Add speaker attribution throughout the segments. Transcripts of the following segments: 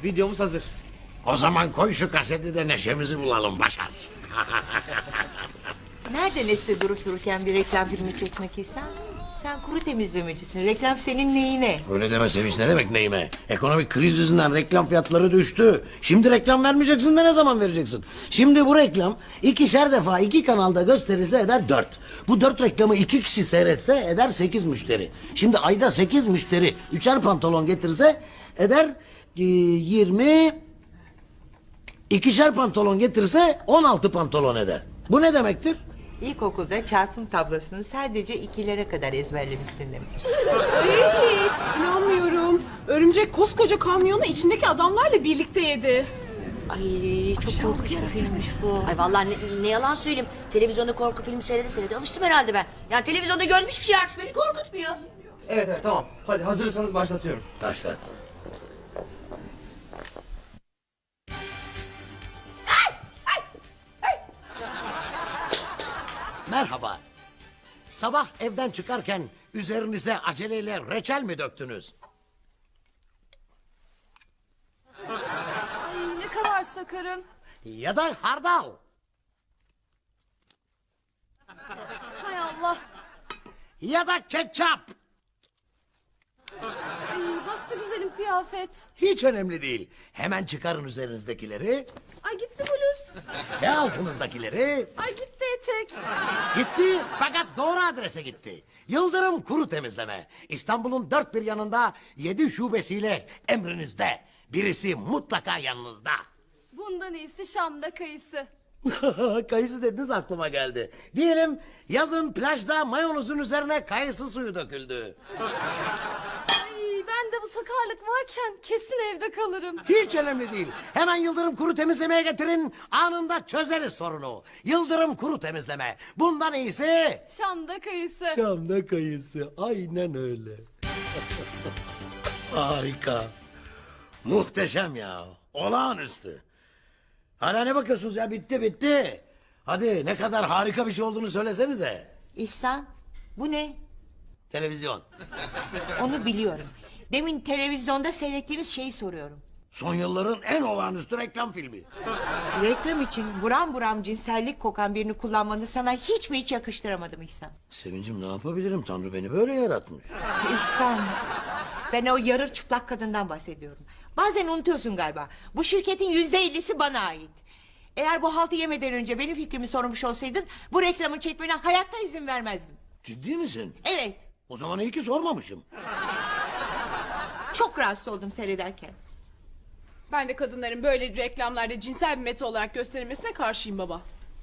Speaker 1: Videomuz hazır.
Speaker 2: O zaman koy şu kaseti de neşemizi bulalım Başar.
Speaker 3: Nerede Nesli durup dururken bir reklam filmi çekmek İhsan? Sen kuru temizlemecisin. Reklam senin neyine?
Speaker 2: Öyle deme Sevinç, ne demek neyime? Ekonomik kriz yüzünden reklam fiyatları düştü. Şimdi reklam vermeyeceksin de ne zaman vereceksin? Şimdi bu reklam 2'şer defa 2 kanalda gösterilse eder 4. Bu 4 reklamı 2 kişi seyretse eder 8 müşteri. Şimdi ayda 8 müşteri 3'er pantolon getirse eder 20... 2'şer pantolon getirse 16 pantolon eder. Bu ne demektir?
Speaker 3: İlkokulda çarpım tablosunu sadece 2'lere kadar ezberlemişsin demek.
Speaker 4: Hiç inanmıyorum. Örümcek koskoca kamyonu içindeki adamlarla birlikte yedi.
Speaker 3: Ay çok korkunç bir filmmiş bu.
Speaker 5: Ay vallahi ne yalan söyleyeyim. Televizyonda korku filmi seyrede alıştım herhalde ben. Yani televizyonda gördüğüm hiçbir şey artık beni korkutmuyor.
Speaker 1: Evet tamam. Hadi hazırsanız başlatıyorum.
Speaker 2: Başlat. Merhaba. Sabah evden çıkarken üzerinize aceleyle reçel mi döktünüz?
Speaker 4: Ay ne kadar sakarım.
Speaker 2: Ya da hardal?
Speaker 4: Hay Allah.
Speaker 2: Ya da ketçap?
Speaker 4: Ay baktı güzelim kıyafet.
Speaker 2: Hiç önemli değil. Hemen çıkarın üzerinizdekileri
Speaker 4: Ay gitti bluz.
Speaker 2: ve altınızdakileri.
Speaker 4: Ay gitti etek.
Speaker 2: Gitti fakat doğru adrese gitti. Yıldırım Kuru Temizleme. İstanbul'un dört bir yanında 7 şubesiyle emrinizde. Birisi mutlaka yanınızda.
Speaker 4: Bundan iyisi Şam'da kayısı.
Speaker 2: Kayısı dediniz aklıma geldi. Diyelim yazın plajda mayonuzun üzerine kayısı suyu döküldü.
Speaker 4: Ay ben de bu sakarlık varken kesin evde kalırım.
Speaker 2: Hiç önemli değil. Hemen Yıldırım Kuru Temizleme'ye getirin. Anında çözeriz sorunu. Yıldırım Kuru Temizleme. Bundan iyisi...
Speaker 4: Şam'da kayısı.
Speaker 2: Şam'da kayısı. Aynen öyle. Harika. Muhteşem ya. Olağanüstü. Hala ne bakıyorsunuz ya? Bitti. Hadi ne kadar harika bir şey olduğunu söylesenize.
Speaker 3: İhsan bu ne?
Speaker 2: Televizyon.
Speaker 3: Onu biliyorum. Demin televizyonda seyrettiğimiz şeyi soruyorum.
Speaker 2: Son yılların en olağanüstü reklam filmi.
Speaker 3: Reklam için buram buram cinsellik kokan birini kullanmanı sana hiç mi hiç yakıştıramadım İhsan?
Speaker 2: Sevincim ne yapabilirim? Tanrı beni böyle yaratmış.
Speaker 3: İhsan, ben o yarı çıplak kadından bahsediyorum. Bazen unutuyorsun galiba. Bu şirketin %50'si bana ait. Eğer bu haltı yemeden önce benim fikrimi sormuş olsaydın... ...bu reklamı çekmene hayatta izin vermezdim.
Speaker 2: Ciddi misin?
Speaker 3: Evet,
Speaker 2: O zaman iyi ki sormamışım.
Speaker 3: çok rahatsız oldum seyrederken.
Speaker 4: Ben de kadınların böyle reklamlarda cinsel bir meta olarak gösterilmesine karşıyım baba.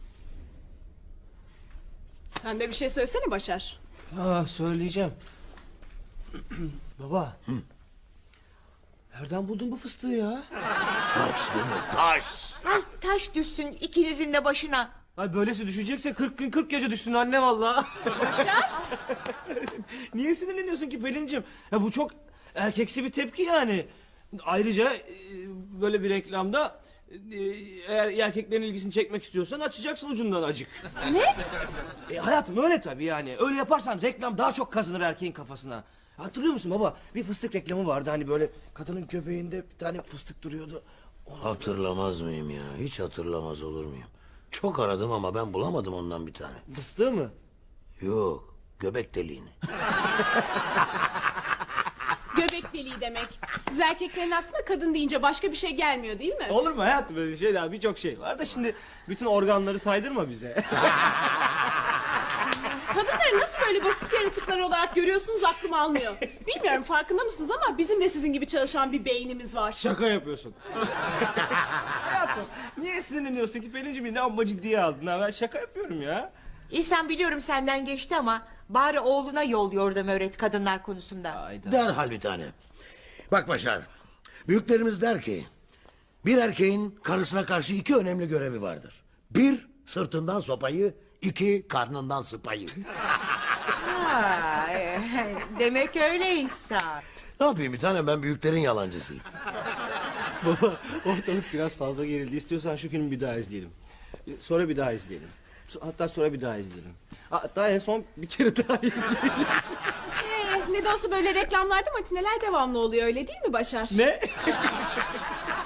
Speaker 4: Sen de bir şey söylesene Başar.
Speaker 1: Söyleyeceğim. Baba. Nereden buldun bu fıstığı ya?
Speaker 2: Taş değil mi? Taş.
Speaker 3: Ay taş düşsün ikinizin de başına.
Speaker 1: Ay böylesi düşecekse 40 gün 40 gece düşsün anne vallahi.
Speaker 4: Başar?
Speaker 1: Niye sinirleniyorsun ki Pelin'cim? Ya bu çok erkeksi bir tepki yani. Ayrıca böyle bir reklamda eğer erkeklerin ilgisini çekmek istiyorsan açacaksın ucundan acık.
Speaker 4: Ne?
Speaker 1: Hayatım öyle tabii yani. Öyle yaparsan reklam daha çok kazanır erkeğin kafasına. Hatırlıyor musun baba? Bir fıstık reklamı vardı hani böyle kadının göbeğinde bir tane fıstık duruyordu.
Speaker 2: Hatırlamaz mıyım ya? Hiç hatırlamaz olur muyum? Çok aradım ama ben bulamadım ondan bir tane.
Speaker 1: Fıstığı mı?
Speaker 2: Yok, göbek deliğini.
Speaker 4: Göbek deliği demek. Siz erkeklerin aklına kadın deyince başka bir şey gelmiyor değil mi?
Speaker 1: Olur mu hayatım böyle şey daha birçok şey var da şimdi bütün organları saydırma bize.
Speaker 4: Kadınları nasıl böyle basit yaratıklar olarak görüyorsunuz aklım almıyor. Bilmiyorum farkında mısınız ama bizim de sizin gibi çalışan bir beynimiz var.
Speaker 1: Şaka yapıyorsun. Hayatım niye sinirleniyorsun ki Pelin'cim ne amma ciddiye aldın ha ben şaka yapıyorum ya.
Speaker 3: İhsan biliyorum senden geçti ama... ...bari oğluna yol yordam öğret kadınlar konusunda.
Speaker 1: Ayda.
Speaker 2: Derhal bir tane. Bak Başar, büyüklerimiz der ki... ...bir erkeğin karısına karşı 2 önemli görevi vardır. 1, sırtından sopayı, 2, karnından sıpayı.
Speaker 3: Ha, demek öyle İhsan.
Speaker 2: Ne yapayım bir tane, ben büyüklerin yalancısıyım.
Speaker 1: Baba ortalık biraz fazla gerildi. İstiyorsan şu filmi bir daha izleyelim. Sonra bir daha izleyelim. Hatta sonra bir daha izleyelim. Hatta en son bir kere daha izleyelim.
Speaker 4: Ne de olsa böyle reklamlarda matineler devamlı oluyor öyle değil mi Başar?
Speaker 1: Ne?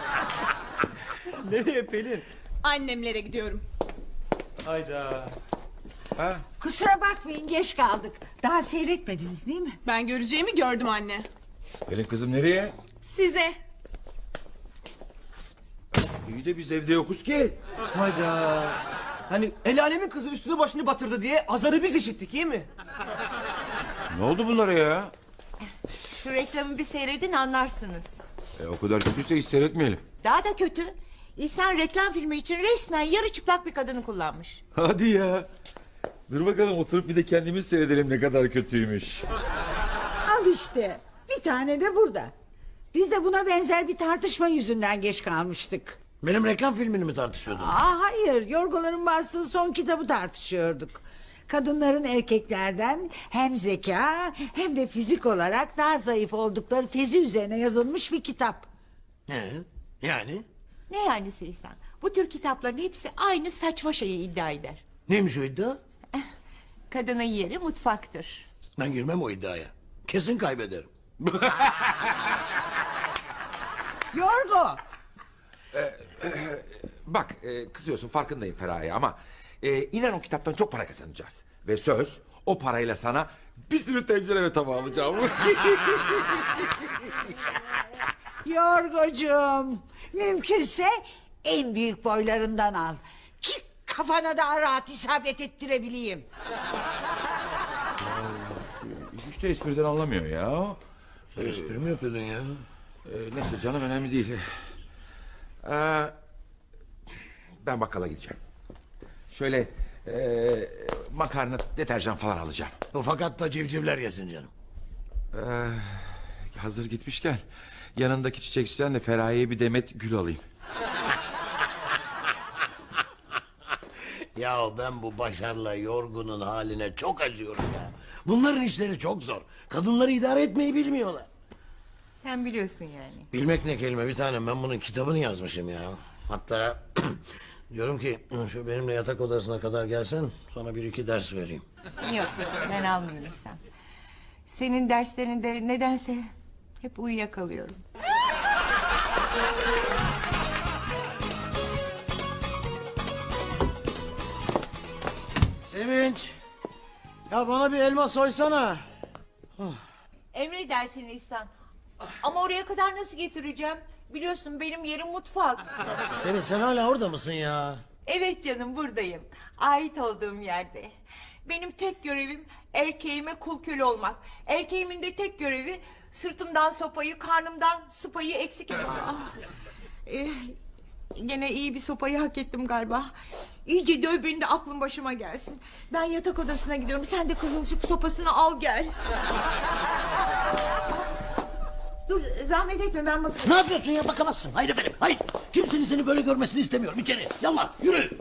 Speaker 1: Nereye Pelin?
Speaker 4: Annemlere gidiyorum.
Speaker 1: Hayda.
Speaker 6: Kusura bakmayın geç kaldık. Daha seyretmediniz değil mi?
Speaker 4: Ben göreceğimi gördüm anne.
Speaker 7: Pelin kızım nereye?
Speaker 4: Size.
Speaker 7: İyi de biz evde yokuz ki.
Speaker 1: Hayda. Hani el alemin kızı üstünü başını batırdı diye azarı biz işittik iyi mi?
Speaker 7: Ne oldu bunlara ya?
Speaker 3: Şu reklamı bir seyredin anlarsınız.
Speaker 7: O kadar kötüyse hiç seyretmeyelim.
Speaker 3: Daha da kötü. İhsan reklam filmi için resmen yarı çıplak bir kadını kullanmış.
Speaker 7: Hadi ya. Dur bakalım oturup bir de kendimiz seyredelim ne kadar kötüymüş.
Speaker 6: Al işte. Bir tane de burada. Biz de buna benzer bir tartışma yüzünden geç kalmıştık.
Speaker 2: Benim reklam filmini mi tartışıyordun?
Speaker 6: Hayır, Yorgoların bastığı son kitabı tartışıyorduk. Kadınların erkeklerden hem zeka hem de fizik olarak daha zayıf oldukları tezi üzerine yazılmış bir kitap.
Speaker 2: Yani?
Speaker 3: Ne yani İhsan? Bu tür kitapların hepsi aynı saçma şeyi iddia eder.
Speaker 2: Neymiş o iddia?
Speaker 3: Kadının yeri mutfaktır.
Speaker 2: Ben girmem o iddiaya. Kesin kaybederim.
Speaker 6: Yorgo!
Speaker 8: Bak kızıyorsun farkındayım Feraye ama inan o kitaptan çok para kazanacağız. Ve söz o parayla sana bir sürü tencere ve tava alacağım.
Speaker 6: Yorgocuğum, mümkünse en büyük boylarından al. Ki kafana daha rahat isabet ettirebileyim.
Speaker 7: Hiç de espriden anlamıyor ya.
Speaker 2: Sen espri mi yapıyordun ya?
Speaker 7: Neyse canım önemli değil.
Speaker 8: Ben bakkala gideceğim. Şöyle makarna, deterjan falan alacağım.
Speaker 2: O fakat da civcivler yesin canım.
Speaker 7: Hazır gitmişken yanındaki çiçekçiden de Feraye'ye bir demet gül alayım.
Speaker 2: Ya ben bu Başar'la Yorgun'un haline çok acıyorum ya. Bunların işleri çok zor. Kadınları idare etmeyi bilmiyorlar.
Speaker 3: Sen biliyorsun yani.
Speaker 2: Bilmek ne kelime bir tanem. Ben bunun kitabını yazmışım ya. Hatta diyorum ki şu benimle yatak odasına kadar gelsen sana bir iki ders vereyim.
Speaker 3: Yok ben almıyorum İhsan. Senin derslerinde nedense hep uyuyakalıyorum.
Speaker 2: Sevinç. Ya bana bir elma soysana.
Speaker 3: Emredersin İhsan. Ama oraya kadar nasıl getireceğim? Biliyorsun benim yerim mutfak.
Speaker 2: Sevinç sen hala orada mısın ya?
Speaker 3: Evet canım buradayım. Ait olduğum yerde. Benim tek görevim erkeğime kul köle olmak. Erkeğimin de tek görevi sırtımdan sopayı, karnımdan sıpayı eksik... Gene iyi bir sopayı hak ettim galiba. İyice döv beni de aklım başıma gelsin. Ben yatak odasına gidiyorum. Sen de kızılcık sopasını al gel. Dur zahmet etme ben bakayım.
Speaker 2: Ne yapıyorsun ya bakamazsın. Hayır efendim hayır. Kimsenin seni böyle görmesini istemiyorum. İçeri yallah yürü.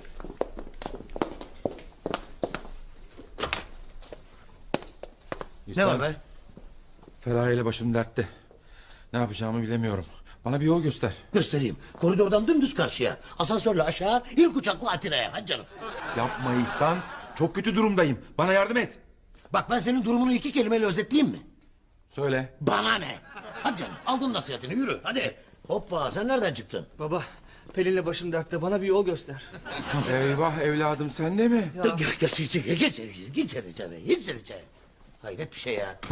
Speaker 2: Ne var be?
Speaker 7: Feraye ile başım dertte. Ne yapacağımı bilemiyorum. Bana bir yol göster.
Speaker 2: Göstereyim. Koridordan dümdüz karşıya. Asansörle aşağı, ilk uçakla Atina'ya. Hadi canım.
Speaker 7: Yapma İhsan. Çok kötü durumdayım. Bana yardım et.
Speaker 2: Bak ben senin durumunu iki kelimeyle özetleyeyim mi?
Speaker 7: Söyle.
Speaker 2: Bana ne? Hadi canım aldın nasihatini yürü hadi. Hoppa sen nereden çıktın?
Speaker 1: Baba Pelin'le başım dertte bana bir yol göster.
Speaker 7: Eyvah evladım sen de mi?
Speaker 2: Geç içeri geç içeri. Hayret bir şey ya.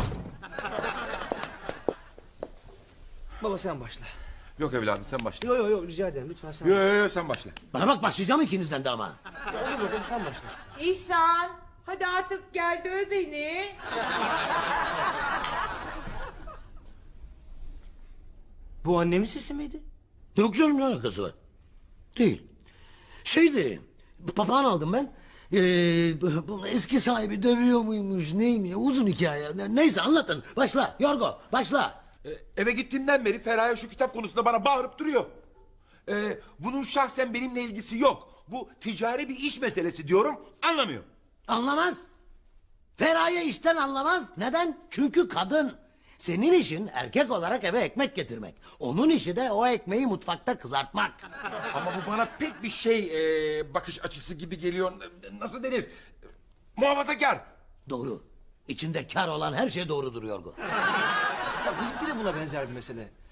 Speaker 1: Baba sen başla.
Speaker 7: Yok evladım sen başla.
Speaker 1: Yo rica ederim lütfen sen.
Speaker 7: Yo sen başla.
Speaker 2: Bana bak başlayacağım ikinizden de ama.
Speaker 1: Olur bakalım sen başla.
Speaker 3: İhsan hadi artık gel döv beni.
Speaker 1: Bu annemin sesi miydi?
Speaker 2: Yok canım ne alakası var? Değil. Şeydi papağan aldım ben. Bu eski sahibi dövüyor muymuş neymiş uzun hikaye. Neyse anlatın başla Yorgo başla.
Speaker 8: Eve gittiğimden beri Feraye şu kitap konusunda bana bağırıp duruyor. Bunun şahsen benimle ilgisi yok. Bu ticari bir iş meselesi diyorum anlamıyor.
Speaker 2: Anlamaz. Feraye işten anlamaz. Neden? Çünkü kadın. Senin işin erkek olarak eve ekmek getirmek. Onun işi de o ekmeği mutfakta kızartmak.
Speaker 8: Ama bu bana pek bir şey bakış açısı gibi geliyor. Nasıl denir? Muhafazakar.
Speaker 2: Doğru. İçinde kar olan her şey doğrudur Yorgo.
Speaker 1: Ya bizimki de buna benzer bir mesele.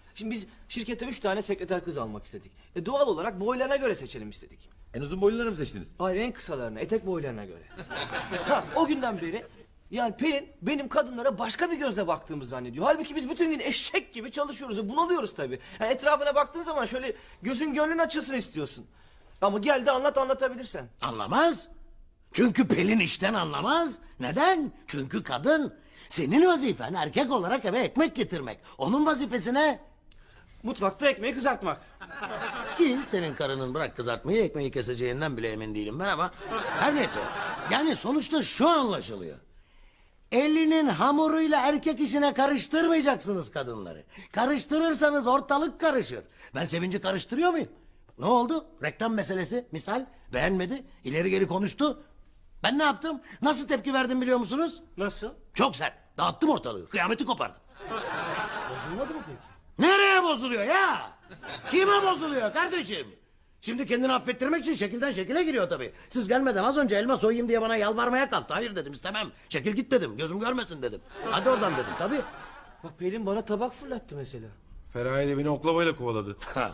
Speaker 1: Şimdi biz şirkete 3 tane sekreter kız almak istedik. Doğal olarak boylarına göre seçelim istedik.
Speaker 8: En uzun boyluları mı seçtiniz?
Speaker 1: Hayır, en kısalarına, etek boylarına göre. O günden beri yani Pelin benim kadınlara başka bir gözle baktığımı zannediyor. Halbuki biz bütün gün eşek gibi çalışıyoruz. Bunalıyoruz tabii. Yani etrafına baktığın zaman şöyle gözün gönlün açılsın istiyorsun. Ama gel de anlatabilirsen.
Speaker 2: Anlamaz. Çünkü Pelin işten anlamaz. Neden? Çünkü kadın. Senin vazifen erkek olarak eve ekmek getirmek. Onun vazifesi ne?
Speaker 1: Mutfakta ekmeği kızartmak.
Speaker 2: Ki senin karının bırak kızartmayı ekmeği keseceğinden bile emin değilim ben ama. Her neyse. Yani sonuçta şu anlaşılıyor. Elinin hamuruyla erkek işine karıştırmayacaksınız kadınları. Karıştırırsanız ortalık karışır. Ben Sevinci karıştırıyor muyum? Ne oldu? Reklam meselesi misal beğenmedi, ileri geri konuştu. Ben ne yaptım? Nasıl tepki verdim biliyor musunuz?
Speaker 1: Nasıl?
Speaker 2: Çok sert. Dağıttım ortalığı. Kıyameti kopardım.
Speaker 1: Bozulmadı mı peki?
Speaker 2: Nereye bozuluyor ya? Kime bozuluyor kardeşim? Şimdi kendini affettirmek için şekilden şekile giriyor tabii. Siz gelmeden az önce elma soyayım diye bana yalvarmaya kalktı. Hayır dedim, istemem. Çekil git dedim. Gözüm görmesin dedim. Hadi oradan dedim tabii.
Speaker 1: Bak Pelin bana tabak fırlattı mesela.
Speaker 8: Feraye de beni oklavayla kovaladı.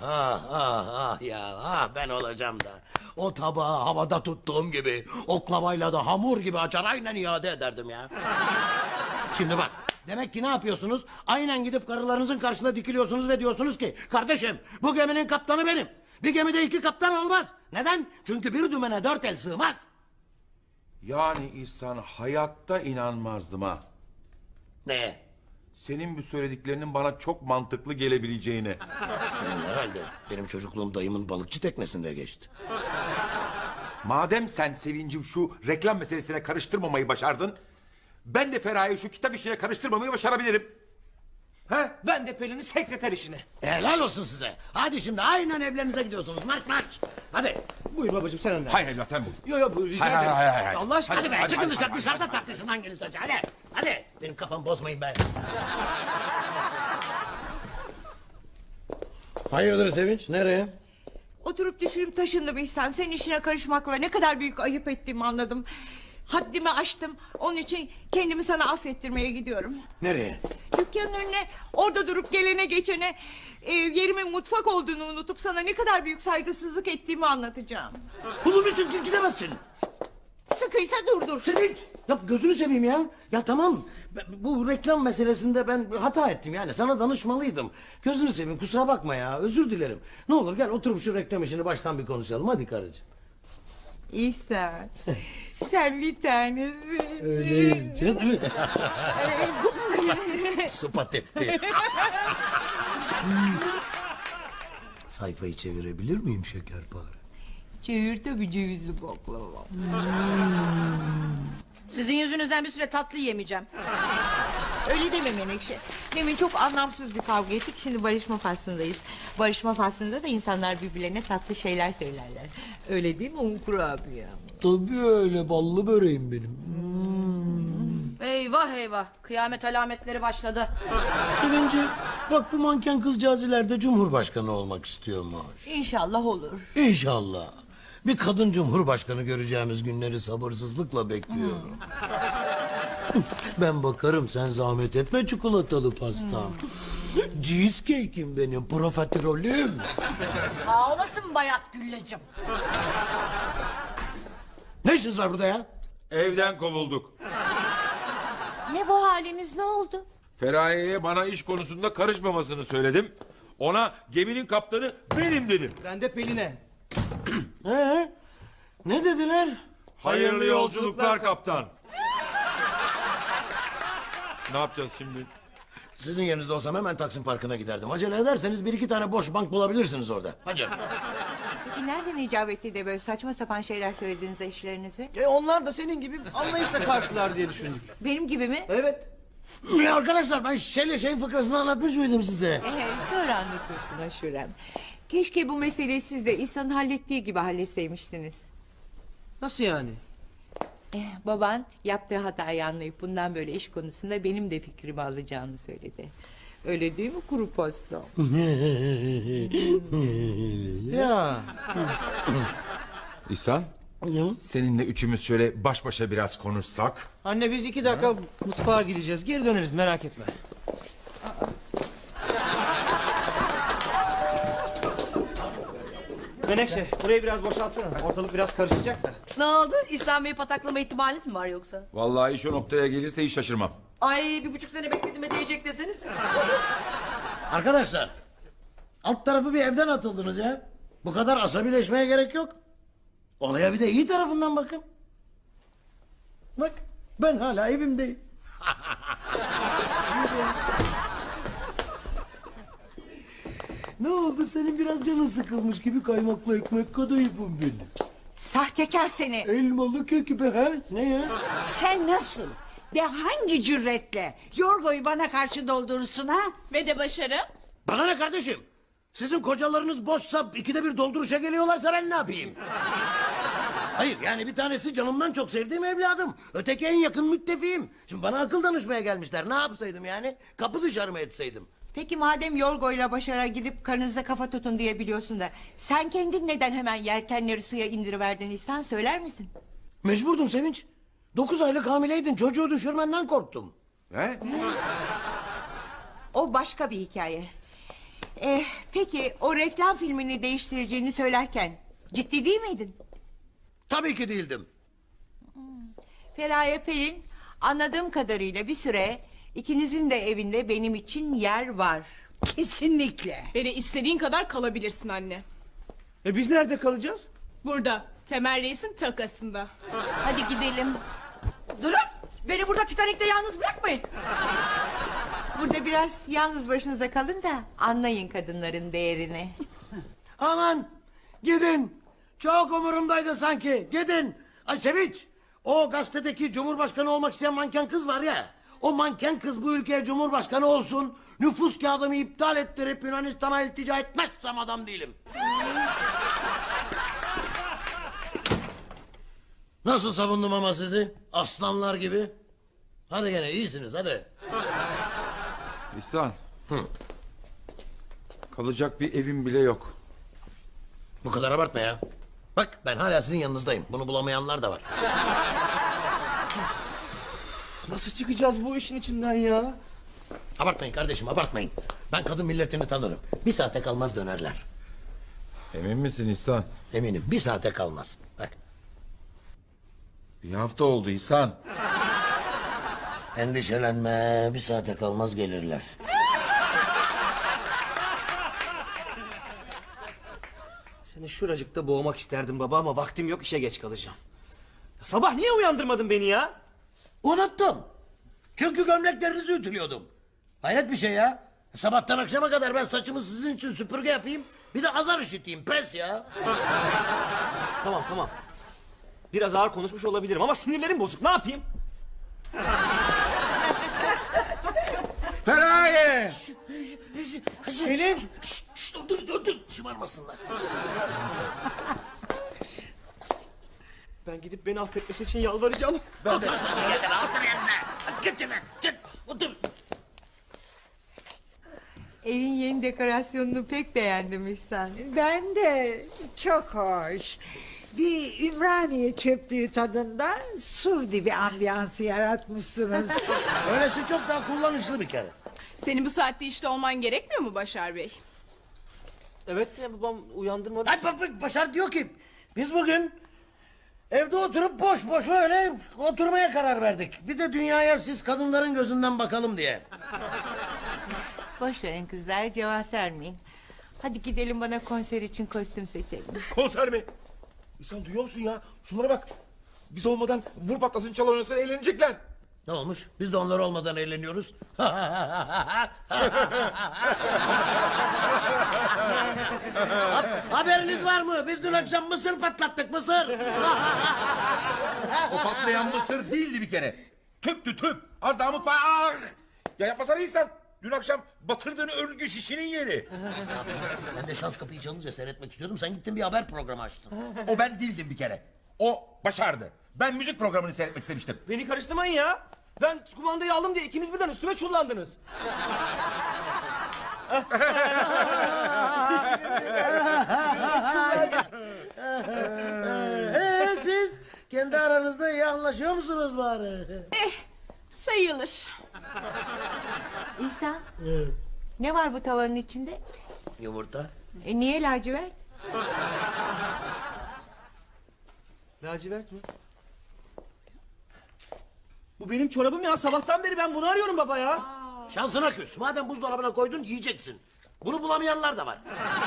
Speaker 2: Ben olacağım da. O tabağı havada tuttuğum gibi oklavayla da hamur gibi açar aynen iade ederdim ya. Şimdi bak, demek ki ne yapıyorsunuz? Aynen gidip karılarınızın karşısında dikiliyorsunuz ve diyorsunuz ki kardeşim bu geminin kaptanı benim. Bir gemide 2 kaptan olmaz. Neden? Çünkü bir dümene 4 el sığmaz.
Speaker 8: Yani İhsan, hayatta inanmazdım ha.
Speaker 2: Ne?
Speaker 8: Senin bu söylediklerinin bana çok mantıklı gelebileceğine.
Speaker 2: Herhalde benim çocukluğum dayımın balıkçı teknesinde geçti.
Speaker 8: Madem sen Sevincim şu reklam meselesine karıştırmamayı başardın, ben de Feraye'yi şu kitap işine karıştırmamayı başarabilirim. He?
Speaker 1: Ben de Pelin'i sekreter işine.
Speaker 2: Helal olsun size. Hadi şimdi aynen evlerinize gidiyorsunuz. Marş marş. Hadi.
Speaker 1: Buyur babacığım sen önden.
Speaker 8: Hayır evlat sen bul.
Speaker 1: Yo buyur rica
Speaker 8: Hayır,
Speaker 1: ederim.
Speaker 8: hayır.
Speaker 1: Allah aşkına.
Speaker 2: Hadi be
Speaker 8: hadi,
Speaker 2: çıkın
Speaker 8: hadi,
Speaker 2: dışarı,
Speaker 8: hadi,
Speaker 2: dışarıda
Speaker 8: hadi.
Speaker 2: tartışın hanginiz önce. Hadi. Hadi. Benim kafam bozmayın be. Hayırdır Sevinç? Nereye?
Speaker 3: Oturup düşünüp taşındım İhsan. Senin işine karışmakla ne kadar büyük ayıp ettiğimi anladım. Haddimi aştım. Onun için kendimi sana affettirmeye gidiyorum.
Speaker 2: Nereye?
Speaker 3: Dükkanın önüne orada durup gelene geçene yerimin mutfak olduğunu unutup sana ne kadar büyük saygısızlık ettiğimi anlatacağım.
Speaker 2: Bunun için gidemezsin.
Speaker 3: Sıkıysa durdur.
Speaker 2: Sevinç. Ya gözünü seveyim ya. Ya tamam. Bu reklam meselesinde ben hata ettim yani. Sana danışmalıydım. Gözünü seveyim kusura bakma ya. Özür dilerim. Ne olur gel oturup şu reklam işini baştan bir konuşalım. Hadi karıcığım.
Speaker 3: İhsan sen bir tanesin.
Speaker 2: Öyleyim canım. Sıpa tepti. Sayfayı çevirebilir miyim şekerpare?
Speaker 3: Çevir tabii cevizli baklava.
Speaker 5: Sizin yüzünüzden bir süre tatlı yemeyeceğim.
Speaker 3: Öyle deme Menekşe. Demin çok anlamsız bir kavga ettik. Şimdi barışma faslındayız. Barışma faslında da insanlar birbirlerine tatlı şeyler söylerler. Öyle değil mi Unkur abi ya?
Speaker 2: Tabii öyle ballı böreğim benim.
Speaker 5: Eyvah eyvah. Kıyamet alametleri başladı.
Speaker 2: Sevinci bak bu manken kızcağız ileride cumhurbaşkanı olmak istiyormuş.
Speaker 3: İnşallah olur.
Speaker 2: İnşallah. Bir kadın cumhurbaşkanı göreceğimiz günleri sabırsızlıkla bekliyorum. Ben bakarım sen zahmet etme çikolatalı pastam. Cheesecake'im benim profiterolüm.
Speaker 5: Sağ olasın Bayat Gülleciğim.
Speaker 2: Ne işiniz var burada ya?
Speaker 8: Evden kovulduk.
Speaker 3: Ne bu haliniz, ne oldu?
Speaker 8: Feraye'ye bana iş konusunda karışmamasını söyledim. Ona geminin kaptanı benim dedim.
Speaker 1: Ben de Pelin'e.
Speaker 2: Ne dediler?
Speaker 8: Hayırlı yolculuklar kaptan. Ne yapacağız şimdi?
Speaker 2: Sizin yerinizde olsam hemen Taksim Parkı'na giderdim. Acele ederseniz 1-2 tane boş bank bulabilirsiniz orada. Hadi.
Speaker 3: Peki nereden icap etti de böyle saçma sapan şeyler söylediniz eşlerinize?
Speaker 1: Onlar da senin gibi anlayışla karşılar diye düşündük.
Speaker 3: Benim gibi mi?
Speaker 1: Evet.
Speaker 2: Ya arkadaşlar ben şeyin fıkrasını anlatmış mıydım size?
Speaker 3: Sonra anlatıyorsun Aşurem. Keşke bu meseleyi siz de İhsan'ın hallettiği gibi halletseymişsiniz.
Speaker 1: Nasıl yani?
Speaker 3: Baban yaptığı hatayı anlayıp bundan böyle iş konusunda benim de fikrimi alacağını söyledi. Öyle değil mi kuru pasta?
Speaker 1: Ya.
Speaker 8: İhsan, seninle üçümüz şöyle baş başa biraz konuşsak.
Speaker 1: Anne biz 2 dakika mutfağa gideceğiz. Geri döneriz merak etme. Menekşe burayı biraz boşaltsana. Ortalık biraz karışacak da.
Speaker 5: Ne oldu? İhsan Bey'i pataklama ihtimaliniz mi var yoksa?
Speaker 8: Vallahi iş o noktaya gelirse hiç şaşırmam.
Speaker 5: Ay 1,5 sene beklediğime değecek deseniz.
Speaker 2: Arkadaşlar, alt tarafı bir evden atıldınız ya. Bu kadar asabileşmeye gerek yok. Olaya bir de iyi tarafından bakın. Bak, ben hala evimdeyim. Ne oldu, senin biraz canın sıkılmış gibi kaymaklı ekmek kadayıfım benim.
Speaker 3: Sahtekar seni.
Speaker 2: Elmalı kek be ha? Ne ya?
Speaker 6: Sen nasıl? De hangi cüretle? Yorgo'yu bana karşı doldurursun ha?
Speaker 4: Ve de başarı.
Speaker 2: Bana ne kardeşim? Sizin kocalarınız boşsa ikide bir dolduruşa geliyorlarsa ben ne yapayım? Hayır yani bir tanesi canımdan çok sevdiğim evladım. Öteki en yakın müttefiğim. Şimdi bana akıl danışmaya gelmişler. Ne yapsaydım yani? Kapı dışarı mı etseydim?
Speaker 3: Peki madem Yorgo'yla Başar'a gidip karınıza kafa tutun diye biliyorsun da... ...sen kendin neden hemen yelkenleri suya indiriverdin İhsan, söyler misin?
Speaker 2: Mecburdum Sevinç. 9 aylık hamileydin. Çocuğu düşürmenden korktum.
Speaker 8: He?
Speaker 3: O başka bir hikaye. Peki o reklam filmini değiştireceğini söylerken ciddi değil miydin?
Speaker 2: Tabii ki değildim.
Speaker 3: Feraye Pelin, anladığım kadarıyla bir süre ikinizin de evinde benim için yer var.
Speaker 6: Kesinlikle.
Speaker 4: Beni istediğin kadar kalabilirsin anne.
Speaker 1: Biz nerede kalacağız?
Speaker 4: Burada. Temel Reis'in takasında.
Speaker 3: Hadi gidelim.
Speaker 5: Durun. Beni burada Titanik'te yalnız bırakmayın.
Speaker 3: Burada biraz yalnız başınıza kalın da anlayın kadınların değerini.
Speaker 2: Aman gidin. Çok umurumdaydı sanki. Gidin. Ay Sevinç. O gazetedeki cumhurbaşkanı olmak isteyen manken kız var ya. O manken kız bu ülkeye cumhurbaşkanı olsun. Nüfus kağıdımı iptal ettirip Yunanistan'a iltica etmezsem adam değilim. Nasıl savundum ama sizi? Aslanlar gibi. Hadi gene iyisiniz hadi.
Speaker 7: İhsan. Kalacak bir evim bile yok.
Speaker 2: Bu kadar abartma ya. Bak ben hala sizin yanınızdayım. Bunu bulamayanlar da var.
Speaker 1: Nasıl çıkacağız bu işin içinden ya?
Speaker 2: Abartmayın kardeşim abartmayın. Ben kadın milletini tanırım. Bir saate kalmaz dönerler.
Speaker 7: Emin misin İhsan?
Speaker 2: Eminim bir saate kalmaz. Bak.
Speaker 7: Bir hafta oldu İhsan.
Speaker 2: Endişelenme bir saate kalmaz gelirler.
Speaker 1: Seni şuracıkta boğmak isterdim baba ama vaktim yok, işe geç kalacağım. Ya sabah niye uyandırmadın beni ya?
Speaker 2: Unuttum. Çünkü gömleklerinizi ütülüyordum. Hayret bir şey ya. Sabahtan akşama kadar ben saçımı sizin için süpürge yapayım. Bir de azar işiteyim pes ya.
Speaker 1: Tamam. Biraz ağır konuşmuş olabilirim ama sinirlerim bozuk, ne yapayım?
Speaker 8: Feraye!
Speaker 1: Selin!
Speaker 2: Şşt, dur. Şımarmasınlar.
Speaker 1: Ben gidip beni affetmesi için yalvaracağım.
Speaker 2: Otur yerine. Git yerine. Çık. Otur.
Speaker 3: Evin yeni dekorasyonunu pek beğendim İhsan.
Speaker 6: Ben de çok hoş. Bir Ümraniye çöplüğü tadında sur dibi ambiyansı yaratmışsınız.
Speaker 2: Öylesi çok daha kullanışlı bir kere.
Speaker 4: Senin bu saatte işte olman gerekmiyor mu Başar Bey?
Speaker 1: Evet ya babam uyandırmadı.
Speaker 2: Ay Başar diyor ki biz bugün evde oturup boş boş böyle oturmaya karar verdik. Bir de dünyaya siz kadınların gözünden bakalım diye.
Speaker 3: Boş verin kızlar, cevap vermeyin. Hadi gidelim, bana konser için kostüm seçelim.
Speaker 8: Konser mi? İhsan duyuyor musun ya? Şunlara bak. Biz olmadan vur patlasın çal oynasın eğlenecekler.
Speaker 2: Ne olmuş? Biz de onlar olmadan eğleniyoruz. Haberiniz var mı? Biz dün akşam mısır patlattık mısır.
Speaker 8: O patlayan mısır değildi bir kere. Tüptü tüp. Az daha mutfağa. Ah! Ya yapmasana İhsan. Dün akşam batırdığın örgü şişinin yeri.
Speaker 2: Ben de şans kapıyı çalınca seyretmek istiyordum. Sen gittin bir haber programı açtın.
Speaker 8: O ben değildim bir kere. O başardı. Ben müzik programını seyretmek istemiştim.
Speaker 1: Beni karıştırmayın ya. Ben kumandayı aldım diye ikiniz birden üstüme çullandınız.
Speaker 2: Siz kendi aranızda iyi anlaşıyor musunuz bari?
Speaker 4: Sayılır.
Speaker 3: İhsan, ne var bu tavanın içinde?
Speaker 2: Yumurta.
Speaker 3: Niye lacivert?
Speaker 1: Lacivert mi? Bu benim çorabım ya. Sabahtan beri ben bunu arıyorum baba ya.
Speaker 2: Şansına küs. Madem buzdolabına koydun yiyeceksin. Bunu bulamayanlar da var.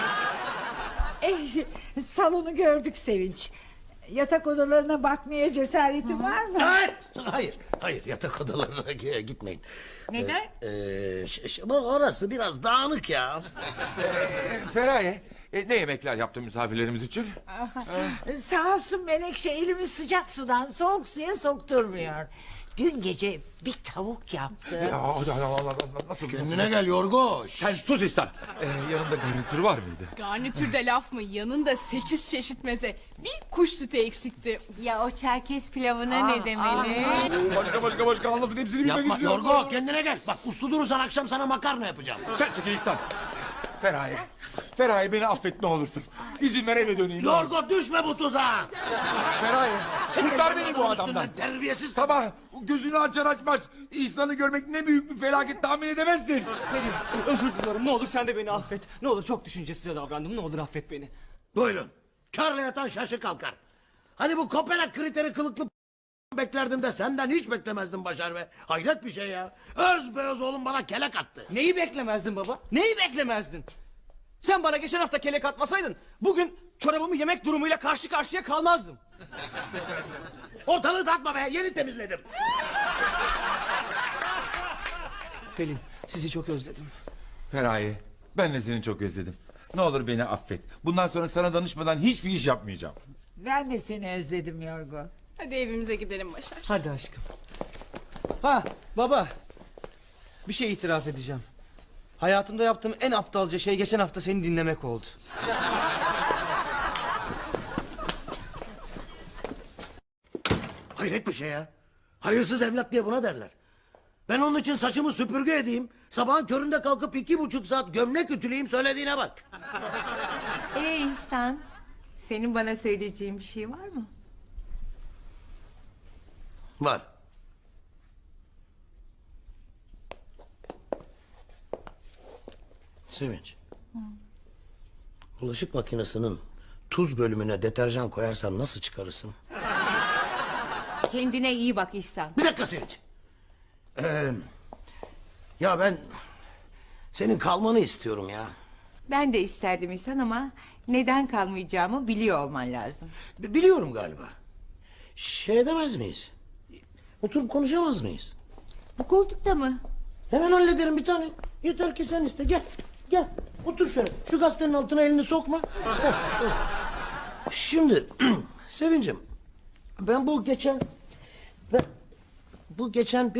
Speaker 6: Salonu gördük Sevinç. Yatak odalarına bakmaya cesaretin var mı?
Speaker 2: Hayır yatak odalarına gitmeyin.
Speaker 3: Neden?
Speaker 2: Orası biraz dağınık ya.
Speaker 8: Feraye, ne yemekler yaptın misafirlerimiz için?
Speaker 6: Sağ olsun Menekşe elimi sıcak sudan soğuk suya sokturmuyor. Dün gece bir tavuk yaptı.
Speaker 8: Ya, nasıl?
Speaker 2: Kendine gel Yorgo.
Speaker 8: Sen sus İhsan. Yanında garnitür var mıydı?
Speaker 4: Garnitürde laf mı? Yanında 8 çeşit meze. Bir kuş sütü eksikti.
Speaker 3: Ya o Çerkez pilavına ne demeli?
Speaker 8: Başka anlatın hepsini bilmek
Speaker 2: Yapma
Speaker 8: istiyorum.
Speaker 2: Yorgo kendine gel. Bak uslu durursan akşam sana makarna yapacağım.
Speaker 8: Sen çekil İhsan. Feraye beni affet ne olursun. İzin ver eve döneyim.
Speaker 2: Yorgo düşme bu tuzağa.
Speaker 8: Feraye kurtar beni bu adamdan.
Speaker 2: Terbiyesiz.
Speaker 8: Sabah gözünü açar açmaz İhsan'ı görmek ne büyük bir felaket tahmin edemezsin.
Speaker 1: Pelin özür diliyorum. Ne olur sen de beni affet. Ne olur çok düşüncesiz davrandım. Ne olur affet beni.
Speaker 2: Buyurun. Karla yatan şaşı kalkar. Hani bu Kopenhag kriteri kılıklı beklerdim de senden hiç beklemezdim Başar be. Hayret bir şey ya. Öz oğlum bana kelek attı.
Speaker 1: Neyi beklemezdin baba? Neyi beklemezdin? Sen bana geçen hafta kelek atmasaydın bugün çorabımı yemek durumuyla karşı karşıya kalmazdım.
Speaker 2: Ortalığı dağıtma be yeni temizledim.
Speaker 1: Pelin sizi çok özledim.
Speaker 8: Feraye ben de seni çok özledim. Ne olur beni affet. Bundan sonra sana danışmadan hiçbir iş yapmayacağım.
Speaker 6: Ben de seni özledim Yorgo.
Speaker 4: Hadi evimize gidelim Başar.
Speaker 1: Hadi aşkım. Ha baba. Bir şey itiraf edeceğim. Hayatımda yaptığım en aptalca şey geçen hafta seni dinlemek oldu.
Speaker 2: Hayret bir şey ya. Hayırsız evlat diye buna derler. Ben onun için saçımı süpürge edeyim. Sabahın köründe kalkıp 2,5 saat gömlek ütüleyeyim söylediğine bak.
Speaker 3: İhsan, senin bana söyleyeceğin bir şey var mı?
Speaker 2: Var. Sevinç. Bulaşık makinesinin tuz bölümüne deterjan koyarsan nasıl çıkarırsın?
Speaker 3: Kendine iyi bak İhsan.
Speaker 2: Bir dakika Sevinç. Ya ben senin kalmanı istiyorum ya.
Speaker 3: Ben de isterdim İhsan ama neden kalmayacağımı biliyor olman lazım.
Speaker 2: Biliyorum galiba. Şey edemez miyiz? Oturup konuşamaz mıyız?
Speaker 3: Bu koltukta mı?
Speaker 2: Hemen hallederim bir tane. Yeter ki sen iste. Gel. Gel. Otur şöyle. Şu gazetenin altına elini sokma. Şimdi Sevincim. Ben bu geçen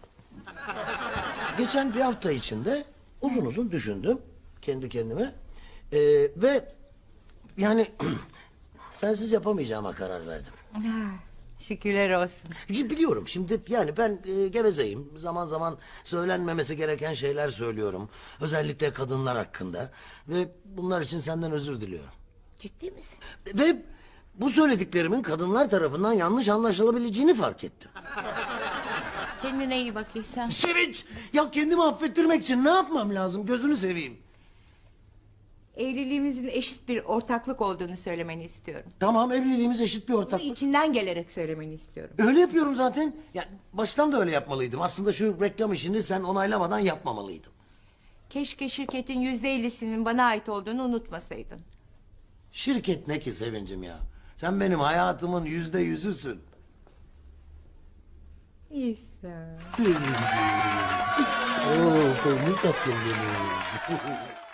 Speaker 2: bir hafta içinde uzun düşündüm kendi kendime. Ve yani sensiz yapamayacağıma karar verdim.
Speaker 3: Şükürler olsun.
Speaker 2: Biliyorum şimdi yani ben gevezeyim. Zaman zaman söylenmemesi gereken şeyler söylüyorum. Özellikle kadınlar hakkında. Ve bunlar için senden özür diliyorum.
Speaker 3: Ciddi misin?
Speaker 2: Ve bu söylediklerimin kadınlar tarafından yanlış anlaşılabileceğini fark ettim.
Speaker 3: Kendine iyi bak İhsan.
Speaker 2: Sevinç! Ya kendimi affettirmek için ne yapmam lazım? Gözünü seveyim.
Speaker 3: Evliliğimizin eşit bir ortaklık olduğunu söylemeni istiyorum.
Speaker 2: Tamam evliliğimiz eşit bir
Speaker 3: Bunu
Speaker 2: ortaklık.
Speaker 3: içinden gelerek söylemeni istiyorum.
Speaker 2: Öyle yapıyorum zaten. Ya baştan da öyle yapmalıydım. Aslında şu reklam işini sen onaylamadan yapmamalıydım.
Speaker 3: Keşke şirketin %50'sinin bana ait olduğunu unutmasaydın.
Speaker 2: Şirket ne ki Sevincim ya? Sen benim hayatımın %100'üsün.
Speaker 3: İhsan.
Speaker 2: Sevgilim. Oo, ne tatlım benim.